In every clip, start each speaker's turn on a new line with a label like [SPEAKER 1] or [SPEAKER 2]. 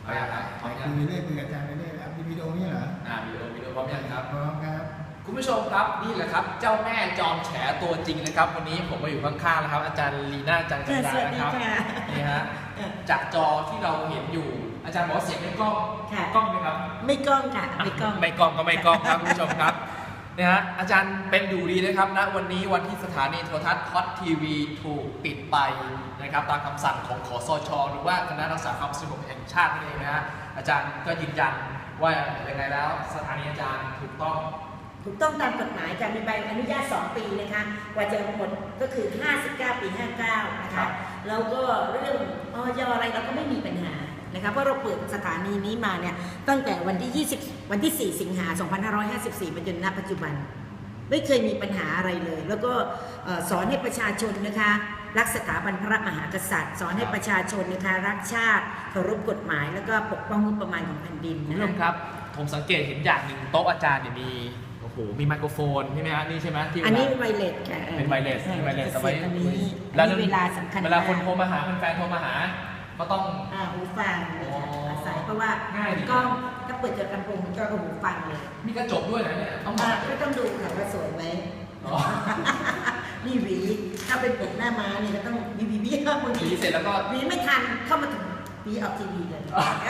[SPEAKER 1] เอาอย่างไรพร้อมยัง
[SPEAKER 2] คุยเรื่อยคุยกับอาจารย์ไปเรื่อยครับมีวิดีโอนี่เหรอ
[SPEAKER 1] วิดีโอพร้อมยังครับ
[SPEAKER 2] พร้อมครับ
[SPEAKER 1] คุณผู้ชมครับนี่แหละครับเจ้าแม่จอมแฉตัวจริงนะครับวันนี้ผมมาอยู่ข้างๆแล้วครับอาจารย์ลีน่าจันทร์จันดานะครับนี่ฮะจากจอที่เราเห็นอยู่อาจารย์บอกว่าเสียงไม่กล้องกล้องไหมครับ
[SPEAKER 3] ไม่กล้องค่ะไม่กล้อง
[SPEAKER 1] ไม่กล้องก็ไม่กล้องครับคุณผู้ชมครับเนี่ยฮะอาจารย์เป็นอยู่ดีนะครับณวันนี้วันที่สถานีโทรทัศน์ฮอตทีวีถูกปิดไปนะครับตามคำสั่งของคสช.หรือว่าคณะรักษาความสงบแห่งชาตินั่นเองนะฮะอาจารย์ก็ยืนยันว่ายังไงแล้วสถานีอาจารย์ถูกต้อง
[SPEAKER 3] ตามกฎหมายการมีใบอนุญาต2 ปีนะคะกว่าจะหมดก็คือ59 ปี 59นะคะแล้วก็เรื่องอย.อะไรเราก็ไม่มีปัญหานะคะเพราะเราเปิดสถานีนี้มาเนี่ยตั้งแต่วันที่4 สิงหา 2554มาจนณปัจจุบันไม่เคยมีปัญหาอะไรเลยแล้วก็สอนให้ประชาชนนะคะรักสถาบันพระมหากษัตริย์สอนให้ประชาชนนะคะรักชาติเคารพกฎหมายแล้วก็ปกป้องงบประมาณของแผ่นดิน
[SPEAKER 1] คุณผู้ชมครับผมสังเกตเห็นอย่างหนึ่งโต๊ะอาจารย์เนี่ยมีไมโครโฟนใช่ไหมฮะนี่ใช่ไหมที่
[SPEAKER 3] อันนี้ไวเลสค่ะ
[SPEAKER 1] เป็นไวเลสแต่ไว้
[SPEAKER 3] อันนี้เวลาสำคัญ
[SPEAKER 1] เวลาคนโทรมาหาแฟนโทรมาหาก็ต้อง
[SPEAKER 3] หูฟังอาศัยเพราะว่ากล้องถ้าเปิดจากลำโพงก็หูฟังเลย
[SPEAKER 1] มีกระจกด้วยนะเนี่ย
[SPEAKER 3] ก็ต้องดูค่ะว่าสวยไหมนี่หวีถ้าเป็นผมหน้าม้านี่ก็ต้องหวี
[SPEAKER 1] เสร็จแล้วก็
[SPEAKER 3] หวีไม่ทันเข้ามาถึงหวีออกทีวีเลย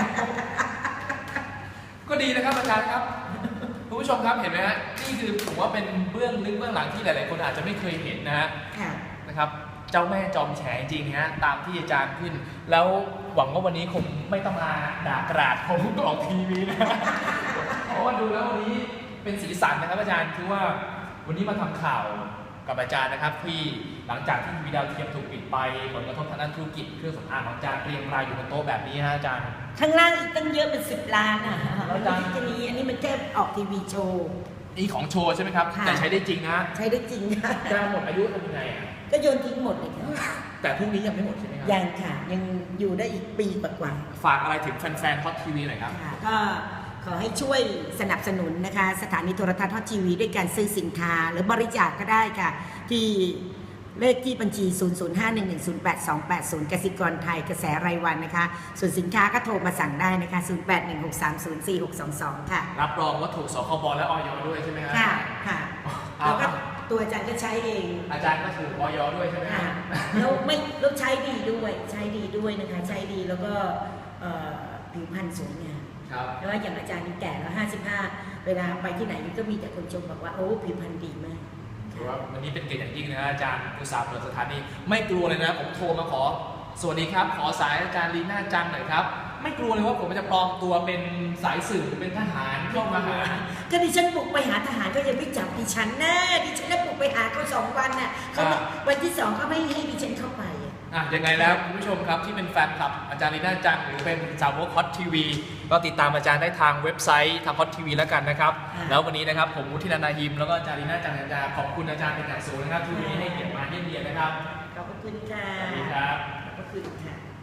[SPEAKER 1] ก็ดีนะครับอาจารย์ครับคุณผู้ชมครับเห็นไหมฮะนี่คือผมว่าเป็นเบื้องลึกเบื้องหลังที่หลายๆคนอาจจะไม่เคยเห็นนะฮะนะครับเจ้าแม่จอมแฉจริงฮะตามที่อาจารย์ขึ้นแล้วหวังว่าวันนี้คงไม่ต้องมาด่ากราดผมออกทีวีนะเพราะว่าดูแล้ววันนี้เป็นสีสันนะครับอาจารย์คือว่าวันนี้มาทำข่าวกับอาจารย์นะครับที่หลังจากที่ทีวีดาวเทียมถูกปิดไปผลกระทบทางด้านธุรกิจเครื่องสำอางของอาจารย์เรียงรายอยู่บนโต๊ะแบบนี้ฮะอาจารย์
[SPEAKER 3] ข้างล่างอีกตั้งเยอะเป็น10 ล้านอ่ะแล้วอาจารย์อันนี้มันแค่ออกทีวีโชว์
[SPEAKER 1] นี่ของโชว์ใช่ไหมครับแต่ใช้ได้จริงนะ
[SPEAKER 3] ใช้ได้จริงค่ะ
[SPEAKER 1] จะหมดอายุทำยังไง
[SPEAKER 3] ก็โยนทิ้งหมดเลยค่ะ
[SPEAKER 1] แต่พรุ่งนี้ยังไม่หมดใช่ไหมครับ
[SPEAKER 3] ยังค่ะยังอยู่ได้อีกปีกว่า
[SPEAKER 1] ฝากอะไรถึงแฟนๆฮอตทีวีหน่อยครับ
[SPEAKER 3] ก็ขอให้ช่วยสนับสนุนนะคะสถานีโทรทัศน์ฮอตทีวีด้วยการซื้อสินค้าหรือบริจาคก็ได้ค่ะที่เลขที่บัญชี 00511088280 กสิกรไทยกระแสรายวันนะคะส่วนสินค้าก็โทรมาสั่งได้นะคะ 0816304622 ค่ะ
[SPEAKER 1] รับรองว่าถูกสคบและอย.ด้วยใช่ไหมครับ
[SPEAKER 3] ค่ะแล้วก็ตัวอาจารย์ก็ใช้เอง
[SPEAKER 1] อาจารย์ก็ถูกอย.ด้วยใช่ไหมครับ
[SPEAKER 3] แล้วใช้ดีด้วยนะคะใช้ดีแล้วก็ผิวพรรณสวยงามแล้วอย่างอาจารย์นี่แก่แล้ว55เวลาไปที่ไหนก็มีแต่คนชมบอกว่าโอ้ผิวพรรณดีมาก
[SPEAKER 1] วันนี้เป็นเกียรติอย่างยิ่งนะอาจารย์อุตสาห์เปิดสถานีไม่กลัวเลยนะผมโทรมาขอสวัสดีครับขอสายอาจารย์ลีน่าจังหน่อยครับไม่กลัวเลยว่าผมจะปลอมตัวเป็นสายสืบเป็นทหารเข้ามาหา
[SPEAKER 3] ก็ดิฉันบุกไปหาทหารก็ยังไม่จับดิฉันนะดิฉันได้บุกไปหาเขา2 วันน่ะเขาวันที่2เขาไม่ให้ดิฉันเข้าไป
[SPEAKER 1] ยังไงแล้วคุณผู้ชมครับที่เป็นแฟนคลับอาจารย์ลีน่าจังหรือเป็นสาวกฮอตทีวีก็ติดตามอาจารย์ได้ทางเว็บไซต์ทางฮอตทีวีแล้วกันนะครับแล้ววันนี้นะครับผมมุทินันท์ นาฮิมแล้วก็อาจารย์ลีน่าจังจะขอบคุณอาจารย์เป็นอย่างสูงนะครับที่วันนี้ให้เกียรติมาเยี่ยมเยียนนะครับ
[SPEAKER 3] ขอบคุณค่ะ
[SPEAKER 1] สวัสดีครับ
[SPEAKER 3] ขอบคุณค่ะ